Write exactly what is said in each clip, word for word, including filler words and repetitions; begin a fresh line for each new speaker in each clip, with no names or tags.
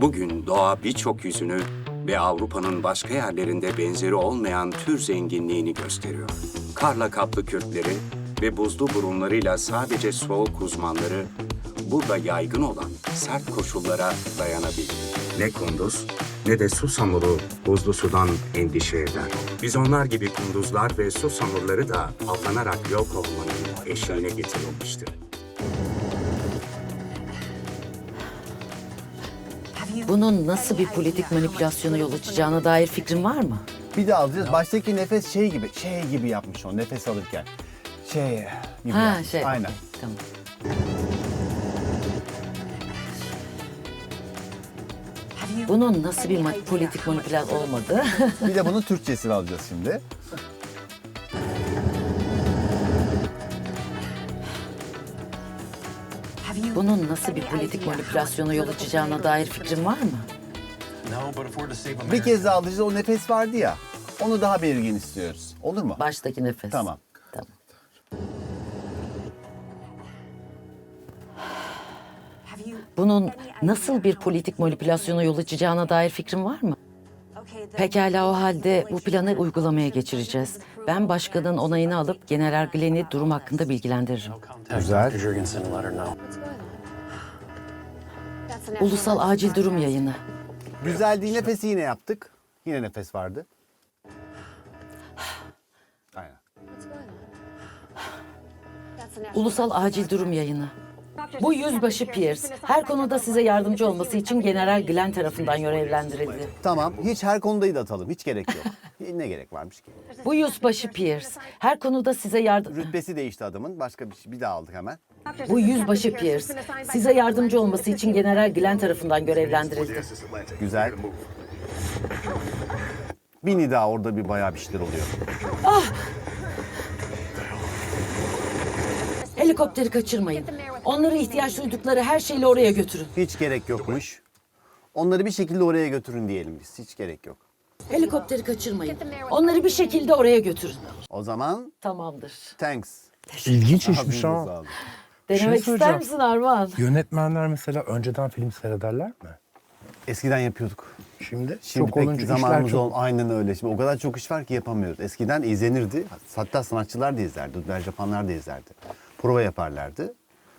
Bugün doğa birçok yüzünü ve Avrupa'nın başka yerlerinde benzeri olmayan tür zenginliğini gösteriyor. Karla kaplı kürkleri ve buzlu burunlarıyla sadece soğuk uzmanları burada yaygın olan sert koşullara dayanabilir. Ne kunduz ne de susamuru buzlu sudan endişe eder. Biz onlar gibi kunduzlar ve susamurları da avlanarak yok olmanın eşiğine getirilmiştir.
Bunun nasıl bir politik manipülasyona yol açacağına dair fikrin var mı?
Bir de alacağız. Baştaki nefes şey gibi, şey gibi yapmış o nefes alırken. Şey gibi
Ha
yapmış.
şey.
Aynen.
Tamam. Bunun nasıl bir ma- politik manipülasyon olmadı?
Bir de bunun Türkçesini alacağız şimdi.
Bunun nasıl bir politik manipülasyona yol açacağına dair fikrin var mı?
Bir kez daha alacağız. O nefes vardı ya. Onu daha belirgin istiyoruz. Olur mu?
Baştaki nefes.
Tamam.
Tamam. Bunun nasıl bir politik manipülasyona yol açacağına dair fikrin var mı? Pekala, o halde bu planı uygulamaya geçireceğiz. Ben başkanın onayını alıp General Glenn'i durum hakkında bilgilendiririm.
Güzel.
Ulusal acil durum yayını.
Güzel değil. Nefesi yine yaptık. Yine nefes vardı. Aynen.
Ulusal acil durum yayını. Bu yüzbaşı Pierce her konuda size yardımcı olması için General Glenn tarafından görevlendirildi.
Tamam. Hiç her konudayı da atalım. Hiç gerek yok. Ne gerek varmış ki?
Bu yüzbaşı Pierce her konuda size yardım...
Rütbesi değişti adamın. Başka bir şey. Bir daha aldık hemen.
Bu yüzbaşı Pierce size yardımcı olması için General Glenn tarafından görevlendirildi.
Güzel. Bir nida orada bir bayağı bir şeyler oluyor.
Helikopteri kaçırmayın. Onları ihtiyaç duydukları her şeyle oraya götürün.
Hiç gerek yokmuş. Onları bir şekilde oraya götürün diyelim biz. Hiç gerek yok.
Helikopteri kaçırmayın. Onları bir şekilde oraya götürün.
O zaman
Tamamdır.
thanks.
İlginç işmiş
Abinize
ha.
sağlık.
şey
Denemek ister
soracağım.
misin Armağan?
Yönetmenler mesela önceden film seyrederler mi?
Eskiden yapıyorduk.
Şimdi,
Şimdi
çok
pek
olunca işler
zamanımız
çok.
ol. Aynen öyle. Şimdi o kadar çok iş var ki yapamıyoruz. Eskiden izlenirdi. Hatta sanatçılar da izlerdi. Dublaj yapanlar da izlerdi. Prova yaparlardı.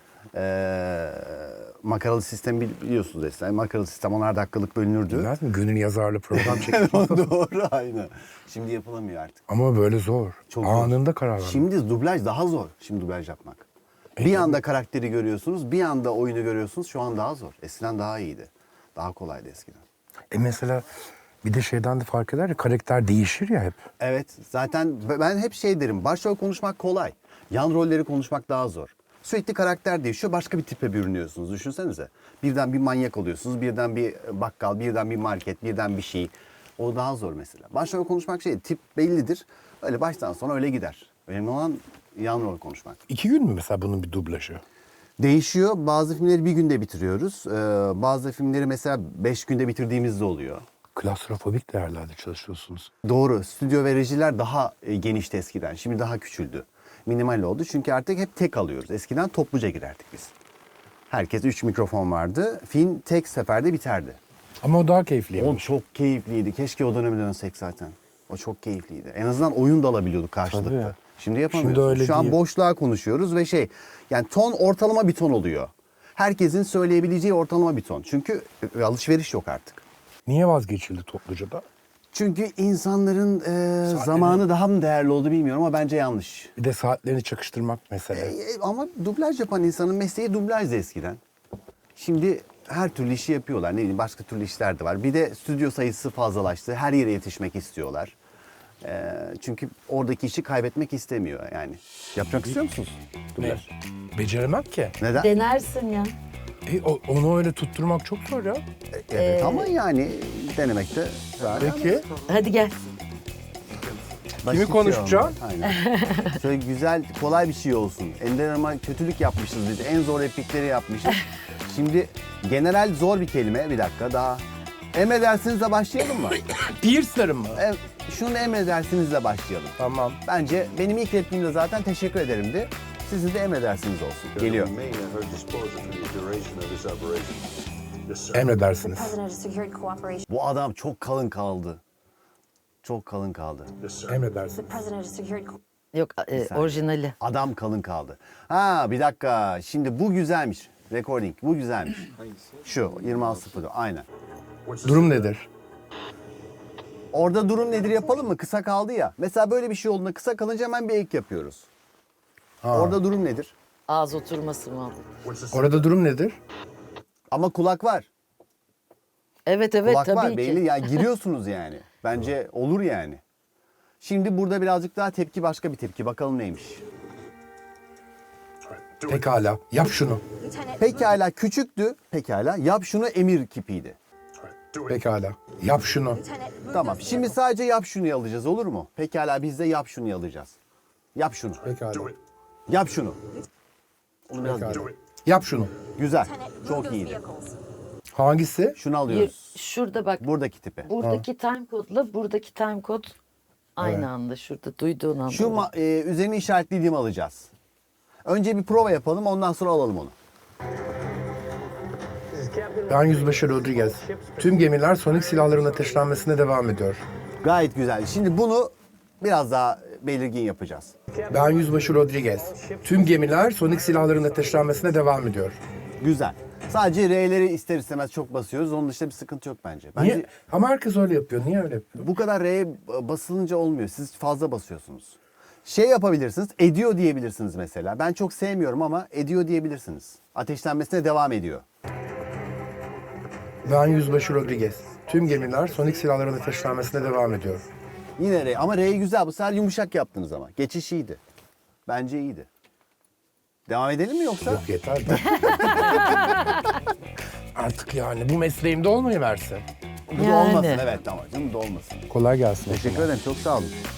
Ee, makaralı sistem bili- biliyorsunuz eskiden. Makaralı sistem onar dakikalık bölünürdü.
Bilmez mi? Gönül yazarlı program çekmiş.
Doğru, aynen. Şimdi yapılamıyor artık.
Ama böyle zor.
Çok zor.
Anında karar vermek.
Şimdi dublaj daha zor. Şimdi dublaj yapmak. Bir anda karakteri görüyorsunuz, bir anda oyunu görüyorsunuz. Şu an daha zor. Eskiden daha iyiydi. Daha kolaydı eskiden.
E mesela bir de şeyden de fark eder ya, karakter değişir ya hep.
Evet, zaten ben hep şey derim. Başrol konuşmak kolay. Yan rolleri konuşmak daha zor. Sürekli karakter değişiyor, başka bir tipe bürünüyorsunuz. Düşünsenize. Birden bir manyak oluyorsunuz, birden bir bakkal, birden bir market, birden bir şey. O daha zor mesela. Başrol konuşmak şey, tip bellidir. Öyle baştan sona öyle gider. Önemli olan yan rol konuşmak.
İki gün mü mesela bunun bir dublajı?
Değişiyor. Bazı filmleri bir günde bitiriyoruz. Ee, bazı filmleri mesela beş günde bitirdiğimiz de oluyor.
Klastrofobik değerlerde çalışıyorsunuz.
Doğru. Stüdyo ve rejiler daha e, genişti eskiden. Şimdi daha küçüldü. Minimal oldu. Çünkü artık hep tek alıyoruz. Eskiden topluca girerdik biz. Herkes üç mikrofon vardı. Film tek seferde biterdi.
Ama o daha
O
keyifliymiş.
çok keyifliydi. Keşke o döneme dönsek zaten. O çok keyifliydi. En azından oyun da alabiliyorduk karşılıklı.
Tabii.
Şimdi yapamıyoruz.
Şimdi öyle
Şu an
değil.
boşluğa konuşuyoruz ve şey, yani ton ortalama bir ton oluyor. Herkesin söyleyebileceği ortalama bir ton. Çünkü e, alışveriş yok artık.
Niye vazgeçildi topluca da?
Çünkü insanların e, zamanı daha mı değerli oldu bilmiyorum ama bence yanlış.
Bir de saatlerini çakıştırmak mesele.
E, e, ama dublaj yapan insanın mesleği dublajdı eskiden. Şimdi her türlü işi yapıyorlar. Ne bileyim başka türlü işler de var. Bir de stüdyo sayısı fazlalaştı. Her yere yetişmek istiyorlar. E, çünkü oradaki işi kaybetmek istemiyor yani. Yapmak istiyor musunuz? Dublaj.
Beceremem ki.
Neden?
Denersin ya.
E, o- onu öyle tutturmak çok zor ya.
Evet ama yani denemekte.
Peki.
Hadi gel.
Basit şey
konuşacağım?
olmalı. Aynen. Şöyle güzel, kolay bir şey olsun. Ender ama kötülük yapmışız biz. En zor replikleri yapmışız. Şimdi general zor bir kelime. Bir dakika daha. Emredersinizle başlayalım mı?
Pierce'larım mı?
E, şunu emredersinizle başlayalım.
Tamam.
Bence benim ilk repliğimde zaten teşekkür ederimdi. Sizin de emredersiniz olsun. Geliyor.
Remain at her disposal for the duration of this operation.
Emredersiniz.
Bu adam çok kalın kaldı. Çok kalın kaldı.
Emredersiniz.
Yok e,
saniye.
orijinali.
Adam kalın kaldı. Ha bir dakika. Şimdi bu güzelmiş. Recording. Bu güzelmiş. Şu yirmi altı sıfır. Aynen.
Durum nedir?
Orada durum nedir yapalım mı? Kısa kaldı ya. Mesela böyle bir şey olduğunda kısa kalınca hemen bir ek yapıyoruz.
Ha.
Orada durum nedir?
Ağız oturması mı?
Orada durum nedir?
Ama kulak var.
Evet evet
Kulak
tabii
var
ki.
belli. Yani giriyorsunuz yani. Bence olur yani. Şimdi burada birazcık daha tepki, başka bir tepki. Bakalım neymiş.
Pekala. Yap şunu.
Pekala küçüktü. Pekala yap şunu emir kipiydi.
Pekala. Yap şunu.
Tamam. Şimdi sadece yap şunu alacağız, olur mu? Pekala biz de yap şunu alacağız. Yap şunu.
Pekala.
Yap şunu. Onu biraz
Pekala.
geri.
Yap şunu.
Güzel. Çok iyiydi.
Hangisi?
Şunu
Bir-
alıyoruz.
şurada bak.
Buradaki tipi.
Buradaki time code'la buradaki time code aynı
Evet.
anda şurada duyduğun anda.
Şu ma- e, üzerine işaretlediğimi alacağız. Önce bir prova yapalım, ondan sonra alalım onu.
Ben Yüzbaşı Rodriguez. Tüm gemiler sonik silahların ateşlenmesine devam ediyor.
Gayet güzel. Şimdi bunu biraz daha belirgin yapacağız.
Ben Yüzbaşı Rodriguez. Tüm gemiler sonik silahların ateşlenmesine devam ediyor.
Güzel. Sadece R'leri ister istemez çok basıyoruz. Onun dışında bir sıkıntı yok bence. Bence
Niye? Ama herkes öyle yapıyor. Niye öyle yapıyor?
bu kadar R'ye basılınca olmuyor. Siz fazla basıyorsunuz. Şey yapabilirsiniz, ediyor diyebilirsiniz mesela. Ben çok sevmiyorum ama ediyor diyebilirsiniz. Ateşlenmesine devam ediyor.
Ben Yüzbaşı Rodriguez. Tüm gemiler sonik silahların ateşlenmesine devam ediyor.
Yine R ama R güzel. Bu sefer yumuşak yaptınız ama. Geçiş iyiydi. Bence iyiydi. Devam edelim mi yoksa?
Yok yeter de. Artık yani bu mesleğimde olmayı versin.
Bu da
Yani.
olmasın evet ama canım bu da olmasın.
Kolay gelsin.
Teşekkür ederim çok sağ olun.